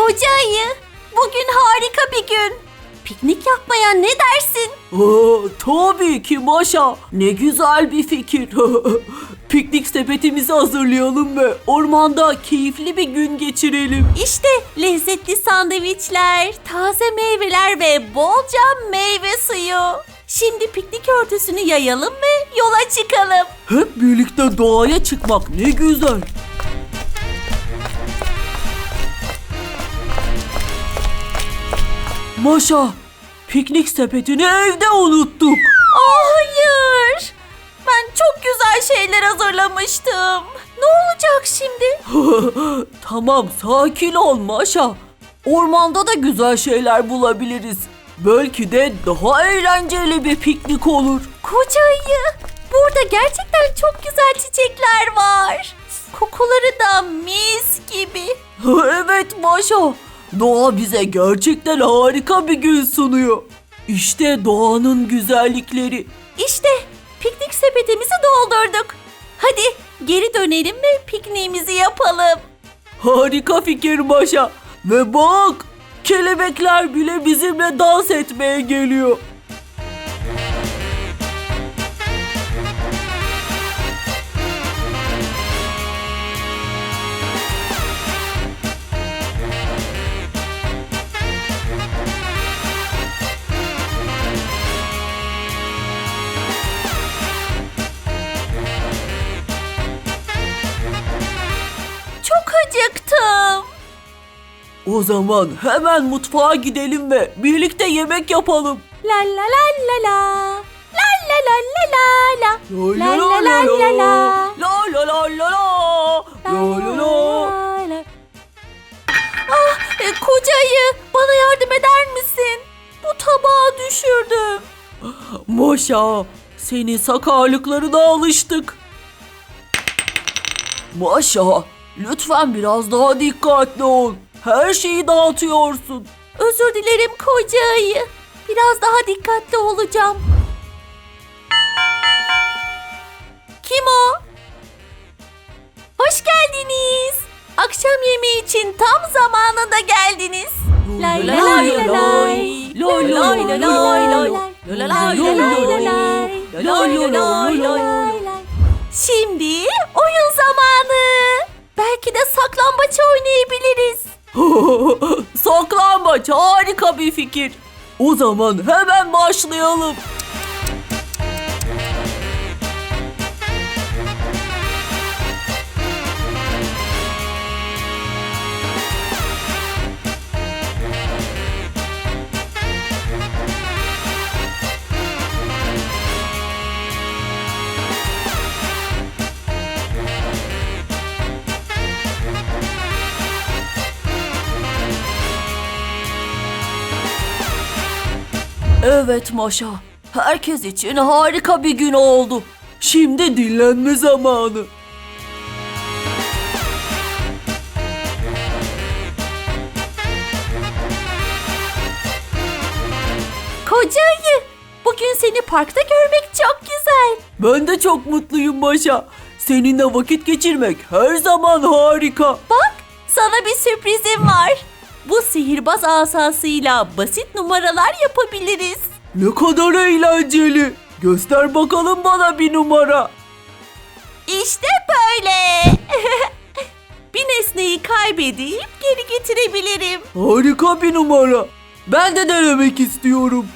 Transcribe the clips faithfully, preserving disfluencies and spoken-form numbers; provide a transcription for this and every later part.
Koca ayı, bugün harika bir gün. Piknik yapmaya ne dersin? Aa, tabii ki Maşa. Ne güzel bir fikir. Piknik sepetimizi hazırlayalım ve ormanda keyifli bir gün geçirelim. İşte lezzetli sandviçler, taze meyveler ve bolca meyve suyu. Şimdi piknik örtüsünü yayalım ve yola çıkalım. Hep birlikte doğaya çıkmak ne güzel. Maşa, piknik sepetini evde unuttuk. Aa, hayır. Ben çok güzel şeyler hazırlamıştım. Ne olacak şimdi? Tamam, sakin ol Maşa. Ormanda da güzel şeyler bulabiliriz. Belki de daha eğlenceli bir piknik olur. Koca ayı, burada gerçekten çok güzel çiçekler var. Kokuları da mis gibi. Evet Maşa, doğa bize gerçekten harika bir gün sunuyor. İşte doğanın güzellikleri. İşte piknik sepetimizi doldurduk. Hadi geri dönelim ve pikniğimizi yapalım. Harika fikir Maşa. Ve bak, kelebekler bile bizimle dans etmeye geliyor. Çok acıktım. O zaman hemen mutfağa gidelim ve birlikte yemek yapalım. La la la la la. La la la la la la. La La la la la la. La la la la la. La la la. la. Ah, e, koca ayı, bana yardım eder misin? Bu tabağı düşürdüm. Maşa, senin sakarlıklarına alıştık. Maşa, lütfen biraz daha dikkatli ol. Her şeyi dağıtıyorsun. Özür dilerim koca ayı. Biraz daha dikkatli olacağım. Kim o? Hoş geldiniz. Akşam yemeği için tam zamanında geldiniz. Lay lay lay lay lay. Lay lay lay lay lay. Lay lay lay lay lay. Lay lay lay lay. Şimdi oyun zamanı. Belki de saklambaç oynayabiliriz. Saklambaç harika bir fikir. O zaman hemen başlayalım. Evet Maşa, herkes için harika bir gün oldu. Şimdi dinlenme zamanı. Koca ayı, bugün seni parkta görmek çok güzel. Ben de çok mutluyum Maşa. Seninle vakit geçirmek her zaman harika. Bak, sana bir sürprizim var. Bu sihirbaz asasıyla basit numaralar yapabiliriz. Ne kadar eğlenceli. Göster bakalım bana bir numara. İşte böyle. Bir nesneyi kaybedip geri getirebilirim. Harika bir numara. Ben de denemek istiyorum.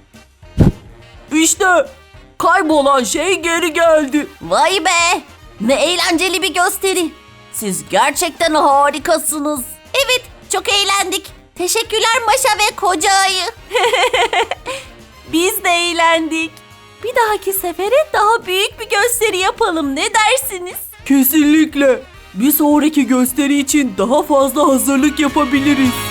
İşte kaybolan şey geri geldi. Vay be! Ne eğlenceli bir gösteri. Siz gerçekten harikasınız. Evet, çok eğlendik. Teşekkürler Maşa ve Koca Ayı. Biz de eğlendik. Bir dahaki sefere daha büyük bir gösteri yapalım. Ne dersiniz? Kesinlikle. Bir sonraki gösteri için daha fazla hazırlık yapabiliriz.